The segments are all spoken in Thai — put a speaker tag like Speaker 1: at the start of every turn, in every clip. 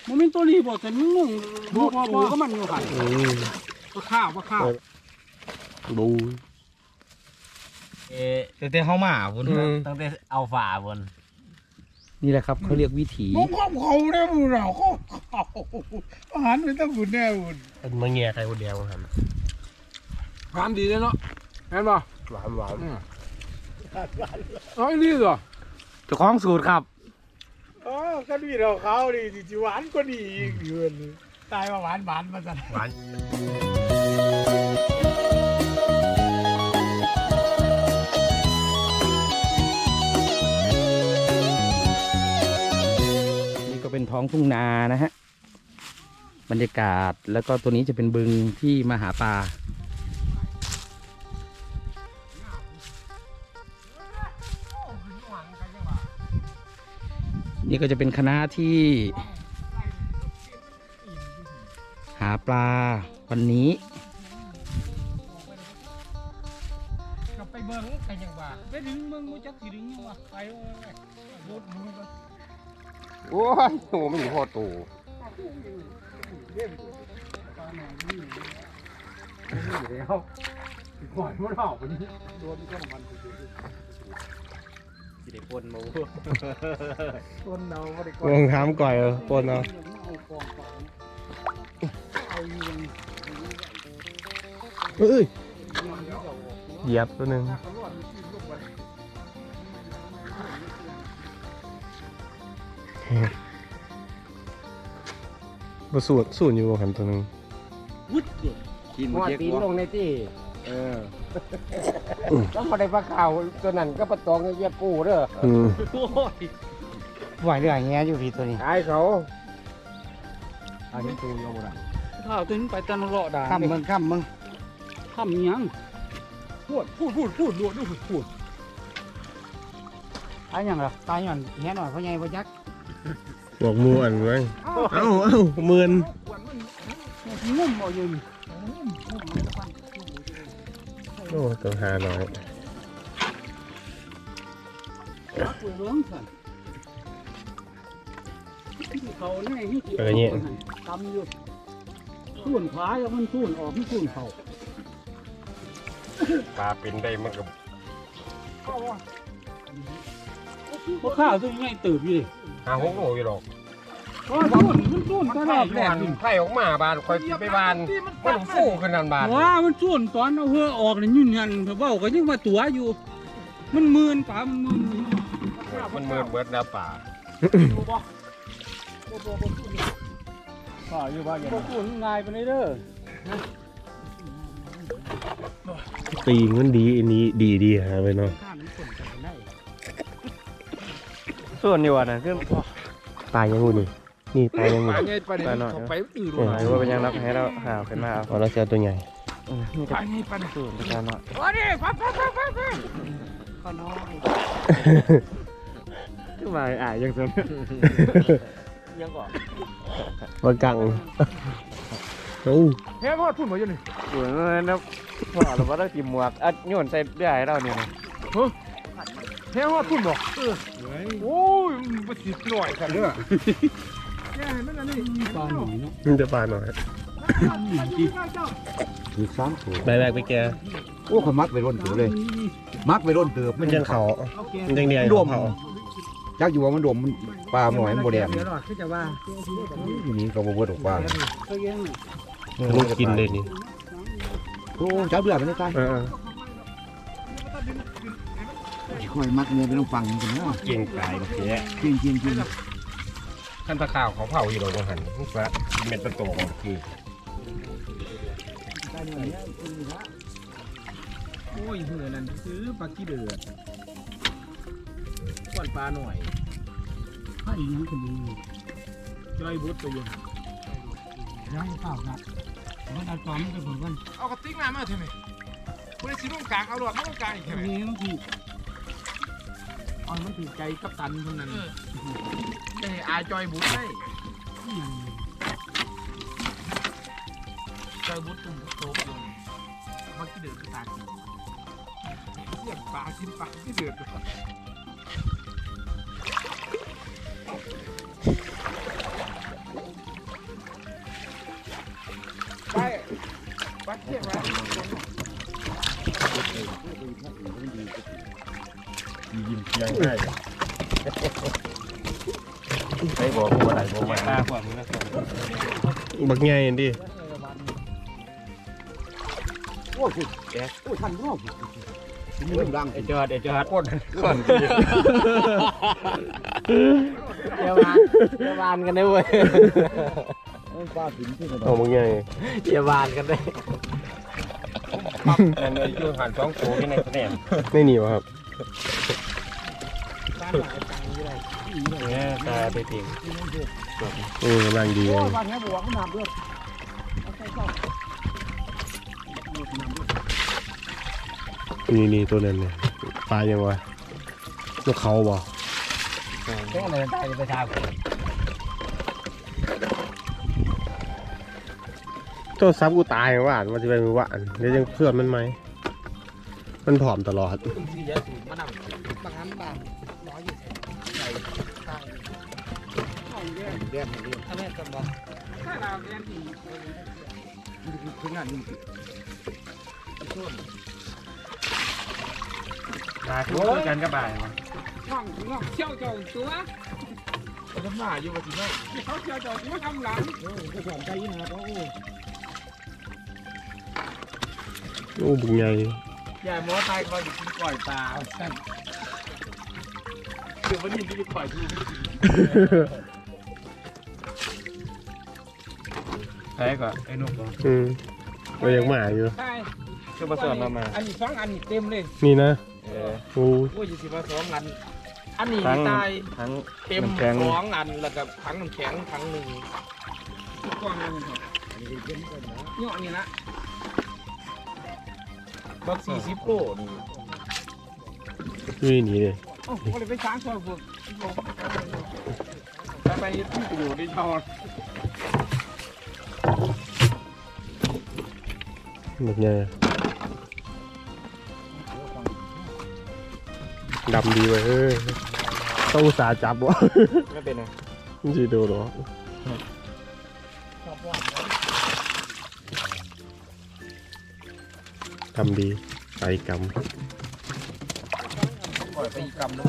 Speaker 1: มันเป็นตัวนี้บ่แต่มึงบ่ก็มันอยู่หันว่าข้าว
Speaker 2: บู
Speaker 3: ตั้งแต่เข้ามาบนตั้งแต่เอาฝ่าบน
Speaker 2: นี่แหละครับเขาเรียกวิถี
Speaker 1: มึงเขาเนี่ยมึงเราเขาอาหารไม่ต้องบุญแน่บุญ
Speaker 3: เป็นมะเงียใครคนเดียวครับ
Speaker 1: ความดีเลยเนาะเห็นป่ะ
Speaker 3: หวานหวาน
Speaker 1: เอ้ยนี่เหรอ
Speaker 2: เจ้าของสูตรครับ
Speaker 1: อ๋อก็ดีเราเขาดีจิหวานก็ดีอีกเดือนตายมาหวานมาสั่น
Speaker 3: หวาน
Speaker 2: นี่ก็เป็นท้องทุ่งนานะฮะบรรยากาศแล้วก็ตัวนี้จะเป็นบึงที่มาหาปลานี่ก็จะเป็นคณะที่หาปลาวันนี้
Speaker 1: กลับไปเบิ่งกันยังว่าไปดึงเบิ่งบ่จักสิดึงยังว่าไปโบดมึงก็
Speaker 3: โอ้ยโอ้ไม่มีพ่อตู่
Speaker 1: แล้วก่อนมันออกวันนี้โดนก็มัน
Speaker 3: สิได้ปนหมู
Speaker 1: ต้นเราก็ได้
Speaker 3: ลงท้ำก่อยปนเอา
Speaker 2: เอ้ย
Speaker 3: เหยียบตัวหนึ่งมาสูดอยู่หันตัวหนึ่ง
Speaker 1: วุ้ดเกิด
Speaker 2: กิน
Speaker 3: หัว
Speaker 2: เจ๊ก
Speaker 3: ตีน
Speaker 2: วะ
Speaker 3: ลงในที่ต้องมาได้ปลาขาวตัวนั้นก็ปลาตองเยียบปูเด้อ
Speaker 2: ไหวเรื่องเงี้ยอยู่พี่ตัวนี้
Speaker 3: ไอ้เขา
Speaker 2: เอาที่ตูนก็บ่ได้
Speaker 1: ข้าวตึงไปตะนรอด่า
Speaker 2: ข้ามมึงข้ามมึง
Speaker 1: ทำยังพูดรวดด้วยพูด
Speaker 2: ตายยังหรอตายยังเงี้ยหน่อยเพราะไงเพราะยักษ์
Speaker 3: บอกมืออันไว้เอ้าเมือน
Speaker 1: งุ่มเอาอยู่นี่
Speaker 3: โอ้ตัวหาหน่อย
Speaker 1: คุยเรื่องสั่นเขาแน่ที่ตำอยู่ส่วนขวาแล้วมันส่วนออกที่ส่วนเขา
Speaker 3: ปลาเป็นได้มันกับ
Speaker 1: เพราะข้าวตัวนี้ตื่นอยู่ดิ
Speaker 3: หาหกโลอยู่หรอก
Speaker 1: เพราะมันส่วนตลอดแหลก
Speaker 3: ไข่ออกมาบานคอยไปบานมันฟูขึ้นนันบาน
Speaker 1: ว้ามันส่วนตอนเอาเหือออกนี่ยืนยันเถอะเบ้าก็ยังมาตัวอยู่ มันมืนป่ามันมืน
Speaker 3: มันเมือนเบิดแล้วป่า
Speaker 1: ป่าอยู่บ้านยังส่วนง่ายไปเลยเด้อ
Speaker 3: ตีมันดีอันนี้ดีฮะไปเนาะ
Speaker 1: ข้ามมันส่วนกันได้
Speaker 3: ส่วนอยู่อ่ะนะคือปลายังงูนี่ปลายังงู
Speaker 1: ป่าไงป่าเนี่ยเขาไปอื่น
Speaker 3: หรือว่าเป็นยังรับให้เราหาขึ้นมาเอาเราเจอตัวใหญ่
Speaker 1: ป่าไงป่าเนี่ย
Speaker 3: ส่วนปลาเนาะ
Speaker 1: โอ้ดิป่าข้าน้อย
Speaker 3: ขึ้นมายังส่วน
Speaker 1: ยังก่อน
Speaker 3: ว่ากังโอ้
Speaker 1: เฮ้ยพ่อทุ่นมาอยู่นี่
Speaker 3: สวยเลยนะพ่อเราว่าต้องกินหมวกอัดโยนใส่เรื่อยเราเนี่ย
Speaker 1: เฮ้ยพ่อทุ่นบอกโอ้ยมันติดหน่อยกันเด้อแก่มันอันนี้ปลาหน่อยเนาะ
Speaker 3: มันจะปลาหน่อย
Speaker 2: ถือซ้ำถูก
Speaker 3: ใบแบกไปแก
Speaker 2: โอ้เขามักไปร่นเตือบเลย มักไปร่นเตือบ
Speaker 3: มันยังเขามันยังเดียว
Speaker 2: ดมยักอยู่ว่ามันดมมันปลาหน่อยมันโบแดง
Speaker 1: เดี๋ยวหน่อยคือจะว่า
Speaker 2: ทีนี้ก็บ่เบิดออกปลา
Speaker 3: ลูกกินเลยนี่
Speaker 2: โอ้จับเลือดมันได้ตายค่อยมักเนื้อไปต้องฟังกันนะ
Speaker 3: เก่งกายเสีย
Speaker 2: จริงจริงจริง
Speaker 3: ขั้นตะข่าวเขาเผาอยู่หรอกหันมันฟ้าเม็ดเป็นตัวของคือ
Speaker 1: โอ้ยเหือนั่นซื้อปลาขี้เดือดก้อนปลาหน่อยให้ยังคนนี้ย่อยบุตรไปยังย่อยเปล่าครับมันเอาตอนมันไปผลกัน
Speaker 4: เอากระติกน้ำมาเถอะไหมคุณได้ชิ้นตรงกลางเอาหลอดไม่ตรงกลางอีกเถอะไหม
Speaker 1: นี่มันถูกอ๋อมันถูกใจกัปตันคนนั้น
Speaker 4: จะให้อายจอยบุตรได้จอยบุตรตุ่มโตลงมันที่เดือดตากินเสียงปลากินปลาที่เดือด
Speaker 3: ยิ้มเพียงได้ไอ้บอกว่าอะไรบอกว่าบักใหญ่ดิ
Speaker 1: โอ้ยแกโอ้ยทันรอบนี่มันดัง
Speaker 3: ไอ้จอดก้น
Speaker 2: เดี๋ยววานกันได้เว้ย
Speaker 1: ป้าถึงที่ไหน
Speaker 3: เอาบักใหญ่
Speaker 2: เดี๋ยววานกันได้
Speaker 3: อันนี้ยูหันสองตัวที่ในคะแนนไม่หนีวะครับเนี่ยตาไปทิ้งโอ้กำลังดีเล
Speaker 1: โอ้
Speaker 3: ย
Speaker 1: บ้านนี้บวกมันน้ำด้วย
Speaker 3: นี่ตัวนั้นเนี่ยปลายังวะตัวเขาบ่
Speaker 2: แค่อะไรได้ไปทาง
Speaker 3: ตัวซับกูตายว่านมันจะเป็นว่านเดี๋ยวยังเพื่อนมันไหมมันผอมตลอด
Speaker 2: บางอันบางร้อย20
Speaker 1: แดงนี่
Speaker 2: ถ้าแม่กันบอก
Speaker 4: ถ้าเราเรียนที่
Speaker 1: คืองานนี่
Speaker 3: ปลาคู่กันก็บ่ายมั้ง
Speaker 4: น้องเชี่ยวเจ้าตัวเขาทำหน้าอยู่ว่าสิเนาะเขาเชี่ยวเจ้าตัวทำหลัง
Speaker 1: ก็สอนใจนะโอ้
Speaker 3: โอ้บุญใหญ่
Speaker 4: อย่าหมอตายเขาจะกินก่อยปลาสั่นเดี๋ยววันนี้จะปล่อยทู
Speaker 3: ใช่ก่อนไอ้นุ๊กก็ยังหมาอยู่
Speaker 4: ใช่
Speaker 3: ก็มาสอนมา
Speaker 4: อันนี้2อันนี้เต็มเลย
Speaker 3: นี่นะโอ้
Speaker 4: โอ้ยสิว่า2อันอันนี้ตาย
Speaker 3: ทั้ง
Speaker 4: เต็ม
Speaker 3: น้ำแข็ง
Speaker 4: 2อันแล้วก็ถังน้ำแข็งถังหนึ่งทุกกล่องนึงครับเนาะนี่ละบัก40โลนี่
Speaker 3: นี่นี่เลย
Speaker 4: โอ้โหเลยไปช้างซอยพวกไปที่ประโยชน์ได้ทอด
Speaker 3: บุญใหญ่ดำดีเว้ยต้องอุตส่าห์จับวะ
Speaker 4: ไม่เป็นไง
Speaker 3: จีดูหรอทำดีไปกรรม
Speaker 4: ปล่อยไปอีกกำนึง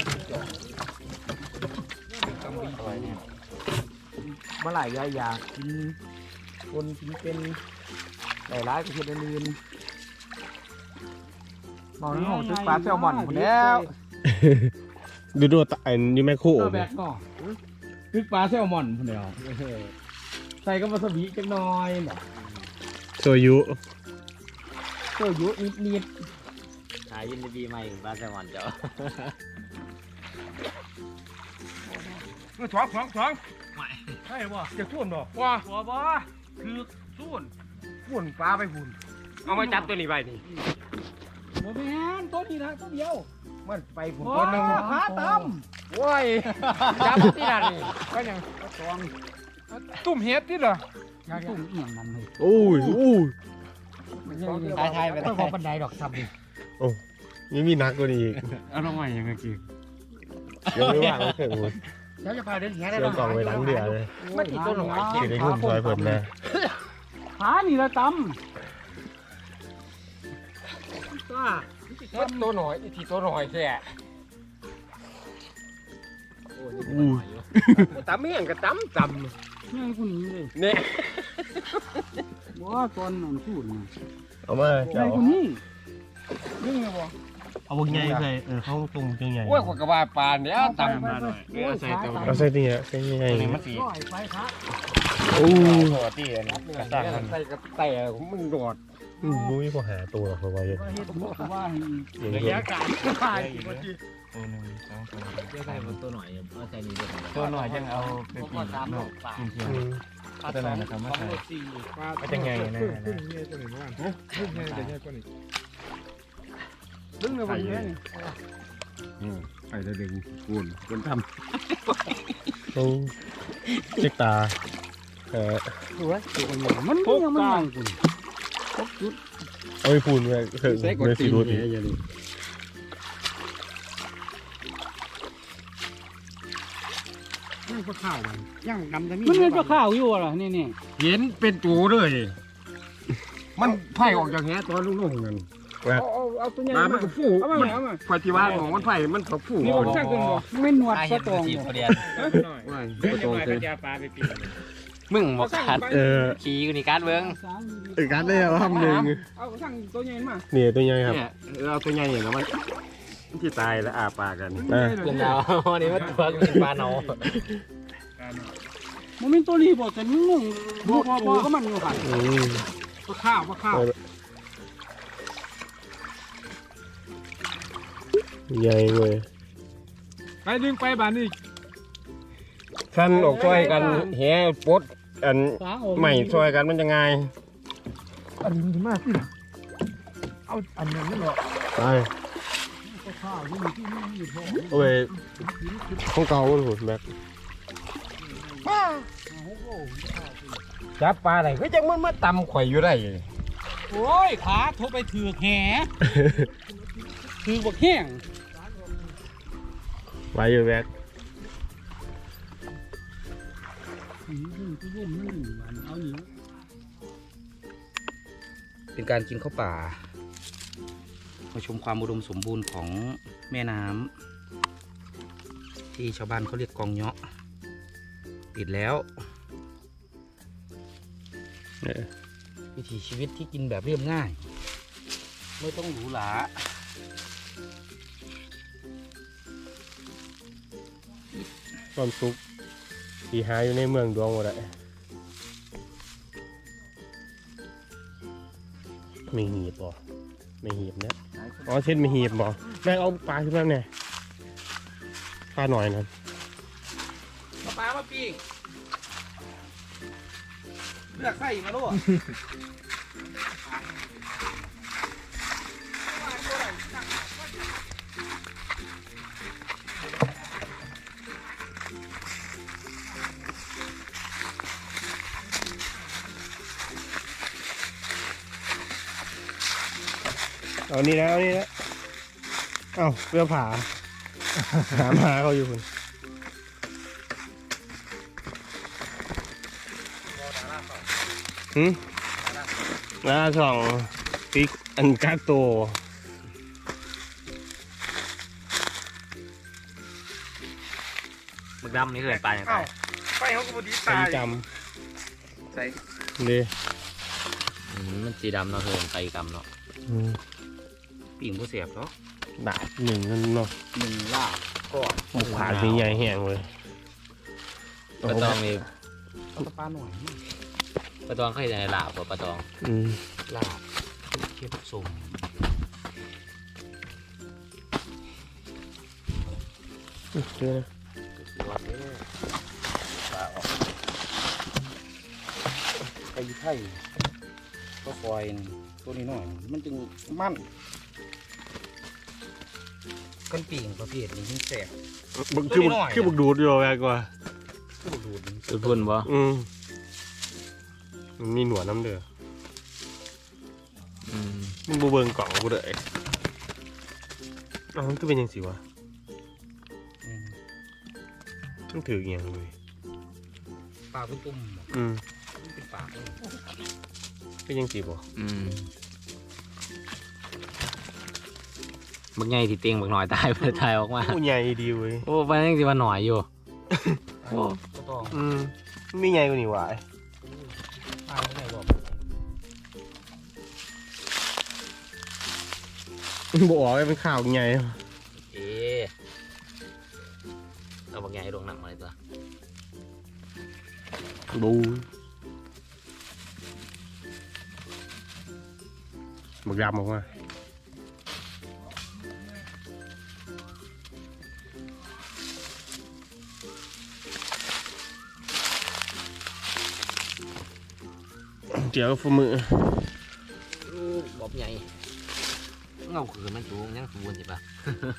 Speaker 4: กำดีอะไรเนี่ยเมื่อไหร่ก็อยากกินคนกินเป็นหลายร้ายก็คืออื่นมองน้องตึกปลาแซลมอนหมดแล้ว
Speaker 3: ดูตายนี่แม่คู่
Speaker 4: แบกก็ตึกปลาแซลมอนหมดแล้วใส่ก็วาซาบิจังน้อยเนาะ
Speaker 3: โซยุ
Speaker 4: เจ้ายุนิด
Speaker 2: หายินดีใหม่ปลาแซลมอนเจ้า
Speaker 4: ๆท้องใช่ป่ะจะทุ่นบ่ว่าบ่คือทุ่นฝุ่นปลาไปฝุ่น
Speaker 3: เอามาจับตัวนี้ไปนี่
Speaker 4: โมแมนตัวนี้นะตัวเดียว
Speaker 3: มันไปผุน
Speaker 4: ตั
Speaker 3: ตัว ว
Speaker 4: ห
Speaker 3: นึ
Speaker 4: นึ่
Speaker 3: ง
Speaker 4: งขาต่ำโว้ย
Speaker 3: จับที่นั่นนี่
Speaker 4: ก็ยังตุ่มเฮ็ดที่เหรอ
Speaker 1: ตุ่มเอียงมันเลย
Speaker 3: โอ้ย
Speaker 2: ทายไป
Speaker 1: ไม่พอบันไดดอกซับดิ
Speaker 3: นี่มีนักกว่านี้อีก
Speaker 4: เอาลงมาอย่างเงี้ยกี่
Speaker 3: ยังไม่ว่างเลยเถอะ
Speaker 1: แล้วจะพาเดินแค่ได้
Speaker 3: เดี๋ยวกล่องไว้หลังเดือเลย
Speaker 4: ไม่กี่ตัวหน่อย
Speaker 3: เดี๋ยวได้หุ้มซอยเพิ่มนะ
Speaker 1: ขานี่ละต
Speaker 4: มันตัวหน่อยอีทีตัวหน่อยแค่
Speaker 3: อู้
Speaker 4: ตำเมี่ยงกับตำ
Speaker 1: ำนี่กูหนีเลย
Speaker 4: เนี่ย
Speaker 1: ว่าตอนนั้นพูดนะ
Speaker 3: เอามา
Speaker 1: ไอ้
Speaker 3: เจ้า
Speaker 1: กูนี่
Speaker 4: นึ่งเลยบ่
Speaker 3: เอาวงใหญ่ใส่เขาตรงจังใหญ่
Speaker 4: โอ้ยขวดกระบาปลาเนี่ยตำมาหน่อย
Speaker 3: เอาใส่นี่ฮะใส่ใหญ่
Speaker 4: มันสี
Speaker 1: ร้อยไปครับ
Speaker 3: โอ้
Speaker 4: หัวตีอันนี้กระตั้งมันใส่กระแต่มันโดด
Speaker 3: มุ้ยพอหาตัวเขาไว้
Speaker 1: ว่าเฮ็ดหัวก็ว่า
Speaker 3: อย่าง
Speaker 4: ระ
Speaker 3: นี้
Speaker 4: ยะการตายกี่นาที
Speaker 2: จะใส่ตัวหน่อยเอาใส่นี่ด้วย
Speaker 4: ตัวหน่อยยังเอาไปปีนนอกกินเทียนตัวนั้นนะครับมาใส่ก็จะไงนะดึงเลยตัวนี้ว่าดึงเลยเดี๋ยวนี้ตัวนี้ดึงเลยวันนี้
Speaker 3: ไปจะดึงกุนทำโอ้เจ๊กตา
Speaker 1: ดูว่ามันยังไม่ยังกู
Speaker 3: โอ้ยพูนเลยถึงเลยสิรู้ดิ
Speaker 1: ย่างข้าวมันย่างดำจะมีมันเป็นข้าวอยู่อ่ะนี่
Speaker 3: เห็นเป็นตัวเลยมันไผ่ออกจากแหตอนลุ่งๆนั่น
Speaker 1: เอาตัวใหญ่
Speaker 3: มา
Speaker 1: มา
Speaker 3: มันก็ฟู
Speaker 1: เอามา
Speaker 3: มัน
Speaker 1: เอามา
Speaker 3: ไผ่ที่ว่าของมันไผ่มันก็ฟู
Speaker 1: นี่ผมช่างกันบ่ไม่หนวดปลาตองบ่
Speaker 3: ว้ายประตูคือ
Speaker 5: มึงบอกขาดขี่กูนี่การเบิ้ง
Speaker 3: การได้แล้วครับหนึ่ง
Speaker 1: เอาช่างตัวใหญ่มา
Speaker 3: นี่ตัวใหญ่ครับเอาตัวใหญ่อย่างนั้นมันที่ตายแล้วอาปากกัน
Speaker 5: เรื่องราววันนี้มันตัวกินปลาเนา
Speaker 1: มันเป็นตัวนี้บ่แต่มันงงบ่ก็มันอยู่ค่ะปลาข้าว
Speaker 3: ใหญ่เว้ย
Speaker 1: ไปดึงไปบ้านนี่
Speaker 3: ท่านออกช่วยกันแห่ปดอันใหม่ช่วยกันมันจะไง
Speaker 1: อันนี้มันมากขึ้นเอาอันนั้นนี่หรอ
Speaker 3: ไป
Speaker 1: ปลาข้าวนี่ที่นี่อยู่ท้อง
Speaker 3: โอ้ยของเก่าโหดแม็กจับปลาอะไรก็จังมันมาตำข่อยอยู่ได้
Speaker 1: โอ้ยขาทบไปถือแหถือบักแห้ง
Speaker 3: ไว้อยู่แม็ก
Speaker 2: เป็นการกินข้าวป่ามาชมความอุดมสมบูรณ์ของแม่น้ำที่ชาวบ้านเขาเรียกกองเงาะติดแล้ววิถีชีวิตที่กินแบบเรียบง่าย ไม่ต้องหรูหรา
Speaker 3: ความสุขที่หาอยู่ในเมืองดวงหมดเลยไม่หีบบ่ไม่หีบเนี่ยอ๋อเช่นไม่หีบบ่แม่เอาปลาขึ้นมาเนี่ยปลาหน่อยนะ
Speaker 2: ปลามาปีกเลือกไส้มาลูก
Speaker 3: เอานี่นะเอานี่นะเอ้าเรือผาหามาเขาอยู่คุณล่าสองปีอันกาโต
Speaker 5: มึกดำนี่คือปลาอย่างไร
Speaker 4: ไปเขาก็บดี
Speaker 3: จ
Speaker 4: ตาย
Speaker 3: จ
Speaker 4: ใส่
Speaker 3: ำดี
Speaker 5: มันสีดำเนาะคือไก่ดำเนาะ
Speaker 2: ปีกผู้เสียบเนาะ
Speaker 3: ดาบหนึ่งนั่นเนาะ
Speaker 2: หนึ่งลาบก่อน
Speaker 3: หมกขาดมีใหญ่แห้งเลย
Speaker 5: ปลาตองนี่
Speaker 2: เอาปลาหน่อย
Speaker 5: ปลาตองเขาเห็นในลาบปลาตอง
Speaker 2: ลาบเทียบสุ่ม
Speaker 3: เจอ
Speaker 2: รอดเลยปลาออกไก่ไทยก็คอยตัวนี้หน่อยมันจึงมั่นกันปีงประเภทนี้ยิ่งแสบ
Speaker 3: บึกคือบึกดูดอยู่แม่กว่า
Speaker 2: ก็ดูด
Speaker 5: สุดพุ่นบ่
Speaker 3: มันมีหนวดน้ำเดือมันบูเบิงกล่องกูเลยมันก็เป็นยังสิวะต้องถืออย่างเลย
Speaker 2: ปลาเป็นตุ่มเป็นปาก
Speaker 3: เป็นยังสิบ่
Speaker 5: มึกใหญ่ที่เตียงมึกหน่อยตายไปตายออกมา
Speaker 3: โอ้ใหญ่ดีเว้ย
Speaker 5: โอ้มันยังสิว่าหน่อยอยู่
Speaker 2: ก็ต้อง
Speaker 3: มีใหญ่กว่านี่หวาย
Speaker 2: ปลาไม่ได้บอก
Speaker 3: บอกว่าเป็นข่าวใหญ่
Speaker 5: เอาบักใหญ่ลงหนังมาเลยตัว
Speaker 3: ดูหมึกดำออกมาเดี๋ยวฝ่ามือ
Speaker 5: บอบใหญ่เงาคือมันสูงยังสูงใช่ปะ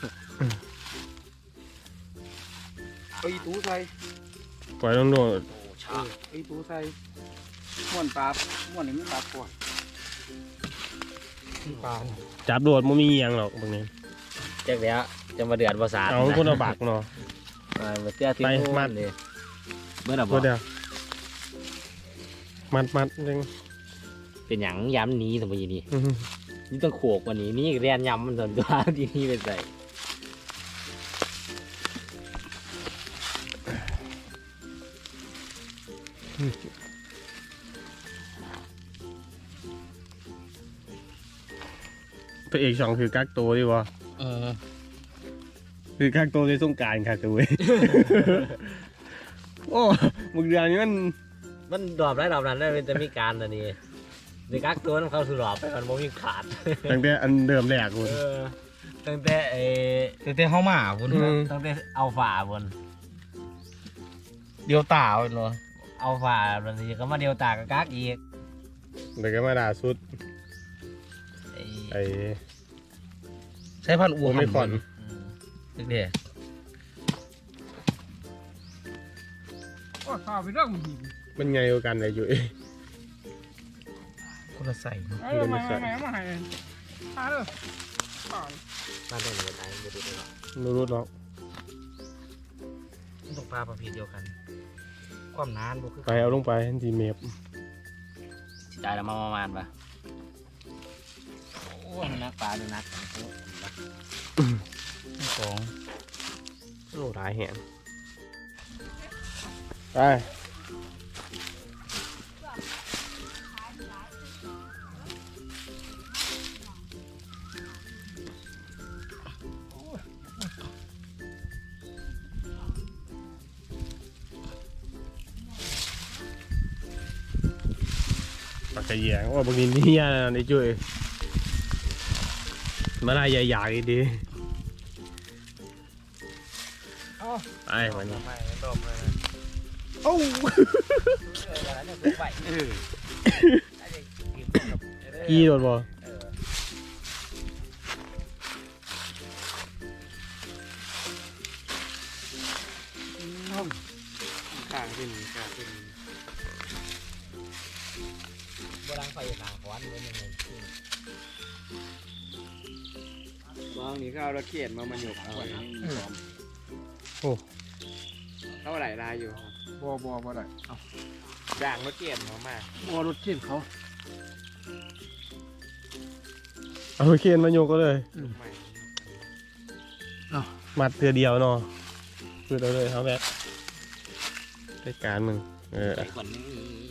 Speaker 1: ไปตู้ใส่
Speaker 3: ปล่อยลงโดด
Speaker 1: ไปตู้ใส่ม้วนปลาม้วนนี่มันปลาก่อนปลา
Speaker 3: จับโดดมันมีอย่างหรอกบางนี้
Speaker 5: เจ๊กเนี้ยจะมาเดือดภาษา
Speaker 3: เอาคนละบักเนาะ
Speaker 5: มาเตี้ยที่มัดเลยเมื่อไหร่บ
Speaker 3: ก็
Speaker 5: อก
Speaker 3: เดี๋ยวมัดจัง
Speaker 5: เป็นอย่างย้ำนี้สมัยนี้นี่ต้องโขกกว่านี้นี่เรียนย้ำมันส่วนตัวที่นี่เป็นใส่
Speaker 3: พระเอกช่องคือกักโตดีวะคือกักโตในสงกรานต์ค่ะตัวเว้ย โอ้มึงเดือนนี้
Speaker 5: มันดรอปได้ดรอปนั้นได้เป็นจะมีการอันนี้ในกักตัวนั้นเขาสุดรอบไปมันโมมีขาด
Speaker 3: ตั้งแต่อันเดิมแรกคุณ
Speaker 5: ตั้งแต่
Speaker 2: ตั้งแต่เข้ามาคุณ
Speaker 5: ตั้งแต่เอาฝ่าบน
Speaker 2: เดียวตาเนาะ
Speaker 5: เอาฝ่าบนนี้ก็มาเดียวตากับกักอีก
Speaker 3: เดี๋ยวก็มาด่าสุดไอ้
Speaker 2: ใช้พันอ้ว
Speaker 3: ไม่ก่อน
Speaker 2: เด็ก
Speaker 1: ก็ข้าวไปเรื่องดี
Speaker 3: มันไงกว่ากันเลยอยู่
Speaker 2: คนละใส่เนาะ
Speaker 1: มาให้มาเลย
Speaker 5: มาได้หนึ่งตายไม่ดูได้หรอก
Speaker 3: รู้เนาะ
Speaker 2: ต้องปลาประเภทเดียวกัน ความนานบ่คือ
Speaker 3: ไปเอาลงไปทีเมฟ
Speaker 5: ได้แล้วมาประมาณปะโอ้ยนักปลาดูนักของ
Speaker 2: สอง
Speaker 3: โอ้หลายแหงไป ปากกระเยียงว่าบางทีนี่ยาในจุ้ยมาได้ใหญ่ๆดีไอ้วันนี้โอ้กี่โดนบ่ข้างขึ้น
Speaker 5: โบราณไฟทางขวานเป็นยังไง
Speaker 4: บางนี่ก็เอาระเกียดมาหยกเอาไว้
Speaker 3: โอ้
Speaker 4: เท่าไหร่ลายอยู่บ่ได้ด่างระเกียดมาบ่รถเกียดเขา
Speaker 3: เอาเคนมาโยกก็เลยมัดเทือเดียวเนาะคือเราเลยเขาแบบรายการมึง
Speaker 5: ไอ้คนนี้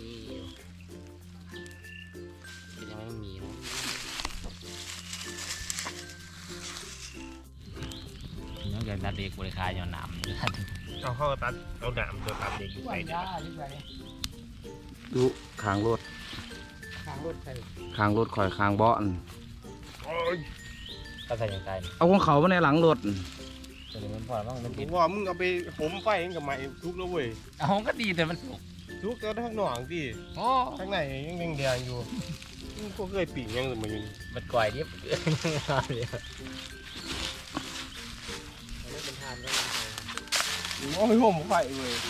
Speaker 5: ยังไม่มีน้องเกิดตัดเด็กบริการย้อนหนาม
Speaker 3: เอาเข้าตัดเอาหนามตัวตัดเด็กอยู่ใส่เด็ก
Speaker 2: ดูคางรถ
Speaker 1: ข้างรถใส่
Speaker 2: คางรถคอยคางเบาะ
Speaker 5: ก็ใส่ยังไง
Speaker 2: เอาของเขามาในหลังรถ
Speaker 5: ตัวนี้มันพอแล้วมัน
Speaker 3: ผ
Speaker 5: ติด
Speaker 3: มว่ามึงเอาไปหมไฟเองกับไม้ทุกแล้วเว้ย
Speaker 5: เอาก็ดีแต่มันสุก
Speaker 3: ทุกแล้วทั้งหนองที่
Speaker 5: โอ้
Speaker 3: ข้างในยังแดงอยู่มึงก็เคยปีกยังอื่นมาอยู่
Speaker 5: มันก่อยดิบเป็นทานก็
Speaker 3: โอ้ยผมไฟเว้ย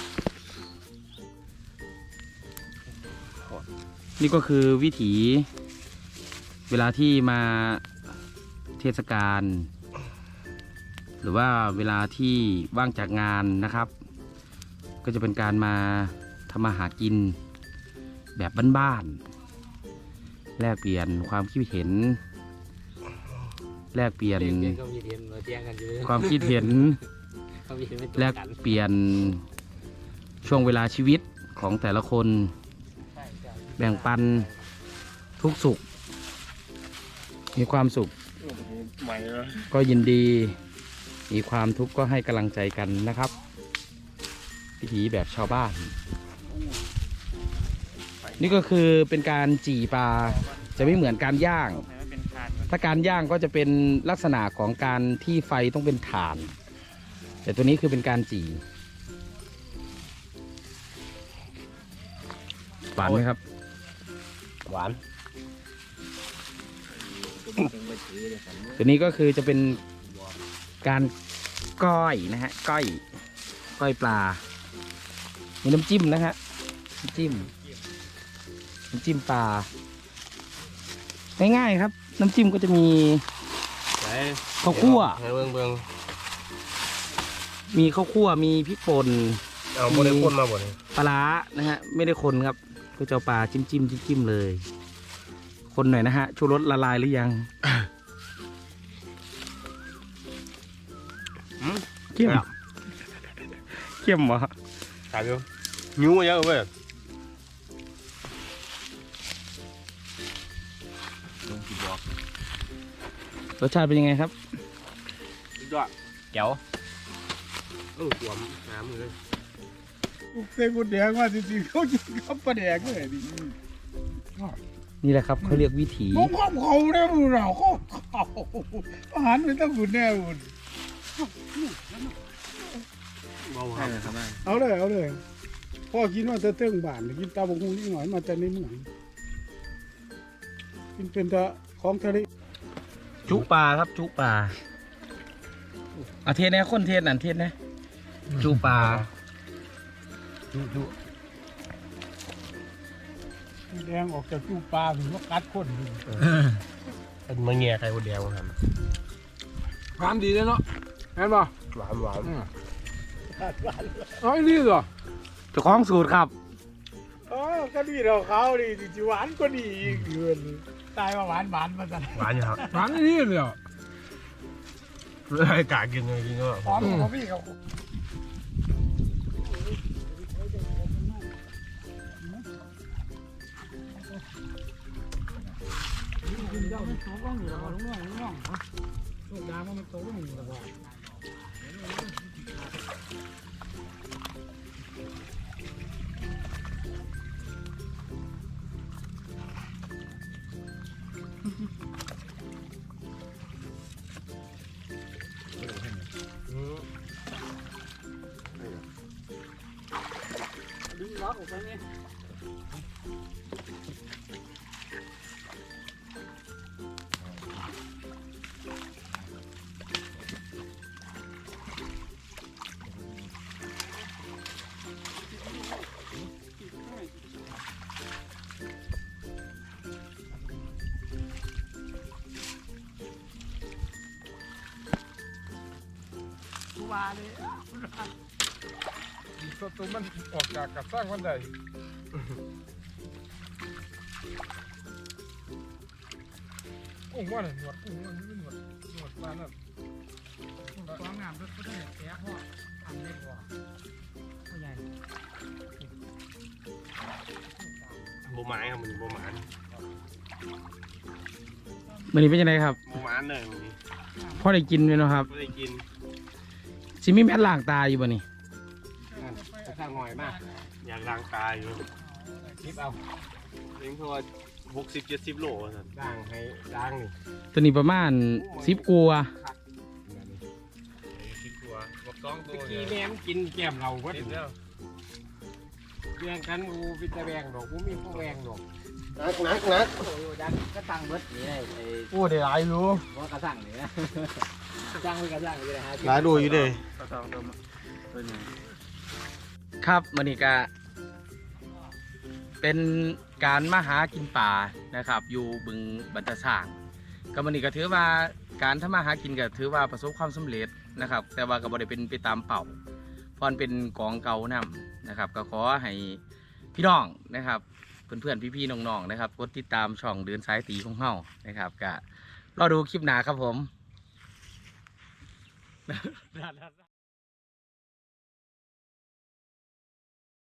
Speaker 2: นี่ก็คือวิถีเวลาที่มาเทศกาลหรือว่าเวลาที่ว่างจากงานนะครับ ก็จะเป็นการมาทำมาหากินแบบบ้านๆแลกเปลี่ยนความคิดเห็นแลกเปลี่ยนความคิดเห็นแลกเปลี่ยนช่วงเวลาชีวิตของแต่ละคนแบ่งปันทุกสุขมีความสุขก็ยินดีมีความทุกข์ก็ให้กำลังใจกันนะครับวิถีแบบชาวบ้านนี่ก็คือเป็นการจี่ปลาจะไม่เหมือนการย่างถ้าการย่างก็จะเป็นลักษณะของการที่ไฟต้องเป็นถ่านแต่ตัวนี้คือเป็นการจี่หวานไหมครับ
Speaker 3: หวาน
Speaker 2: ตัวนี้ก็คือจะเป็นการก้อยนะฮะก้อยปลามีน้ำจิ้มนะฮะน้ำจิ้มปลาง่ายๆครับน้ำจิ้มก็จะมีข้าวคั่วมีข้าวคั่วมีพริกป่น
Speaker 3: เอาโมเดลคนมาบ่เนี่ย
Speaker 2: ปลาร้านะฮะไม่ได้คนครับก็จะเอาปลาจิ้มเลยคนหน่อยนะฮะชูรสละลายหรือยังเข้มเข้มเหรอ
Speaker 3: ถามดูนิ้วมาเยอะเว้ย
Speaker 2: รสชาติเป็นยังไงครับ
Speaker 3: ยอด
Speaker 2: แก้ว
Speaker 3: หวานน้ำเลย
Speaker 1: เส้นกุดแดงมาจริงๆเขากินข้าวปลาแดกเลยดิ
Speaker 2: นี่แหละครับเขาเรียกวิถี
Speaker 1: ผมข้าวเขาเนี่ยบุญเราเขาอาหารไม่ต้องบุญแน่บุญ
Speaker 3: เบาครับ
Speaker 1: เอาเลยพ่อกินว่าจะเติ้งบ้านกินตาบงคงนิดหน่อยมาจากในเมืองกินเป็นตะของทะเล
Speaker 2: จุปลาครับจุปลาเอาเทศนะคนเทศนั่นเทศนะจุปลา
Speaker 1: แดงออกจากตู้ปลาถึงว่ากัดคนอยู่
Speaker 3: เป็นมะเงียไข่คนเดียวครับ
Speaker 4: หวานดีเลยเนาะเห็นป่ะ
Speaker 3: หวานหวาน
Speaker 4: เอาไอ้นี่เหรอ
Speaker 2: เจ้าของสูตรครับ
Speaker 1: อ๋อก็ดีเราเขาดีจิหวานก็ดีอีกเดือนตายว่าหวานมาสั่น
Speaker 3: หวานอยู่ครับ
Speaker 4: หวานไอ้นี่เลยเหรอ
Speaker 3: เลยกากินเลยกินก็
Speaker 1: พร้อมกับพี่เขา กินเจ้ามันโตก็มีแล้วลุงน้องลูกยางมันโตก็มีแล้ว ดึงล็อกออกไปเนี่ยว่าเลย
Speaker 4: สตูมันออกจากกับสร้างวันใดกุ้งว่าเนี่ยหนวดกุ้งมันไม่หนวดปลานั่น
Speaker 1: ความงามด้วยก็ต้องแก่พ่อทำได้พ่อพ่อใหญ่
Speaker 3: โบไม้ครับมันโบไม้
Speaker 2: วันนี้เป็นยังไงครับ
Speaker 3: โบไม้เลยวันนี้
Speaker 2: พ่อได้กินไหมเนาะครับ
Speaker 3: ไม่ได้กิน
Speaker 2: ซิมีแม่นล่างตาอยู่บ่นี่
Speaker 3: จะสร้างหน่อยมากอยากล้างตาอยู่
Speaker 1: คิดเอา
Speaker 3: เลี้ยงตัว60-70 โลสันล้างให้ล้างนี่
Speaker 2: ตัวนี้ประมาณ10กัวา
Speaker 3: 10 ตัวบอก2ตัว
Speaker 1: กี่แม่มกินแก้มเราก็
Speaker 3: กินแล้ว
Speaker 1: แบ่งกันกูพิจารแบ่งดอกกูมีผู้แบ่งดอก
Speaker 3: นัก
Speaker 5: โอ้ยดังก็ตั้งเบิดนี่ไอ้
Speaker 1: โอ้ได้หลายอยู่
Speaker 5: ว่ากระสั่งนี่นะจ้างไปกระสั่งไปเลยฮะ
Speaker 3: หลายดูอยู่เลย
Speaker 2: ครับวันนี้ก็เป็นการมาหากินป่านะครับ อยู่บึงบันตะส่างก็วันนี้ก็ถือว่าการทำมาหากินก็ถือว่าประสบความสำเร็จนะครับ แต่ว่าก็บ่ได้เป็นไปตามเป้าเพราะมันเป็นกองเก่านํนะครับ ก็ขอให้พี่น้องนะครับเพื่อนๆพี่ๆน้องๆนะครับกดติดตามช่องเดินสายตีของเฮานะครับก็รอดูคลิปหน้าครับผม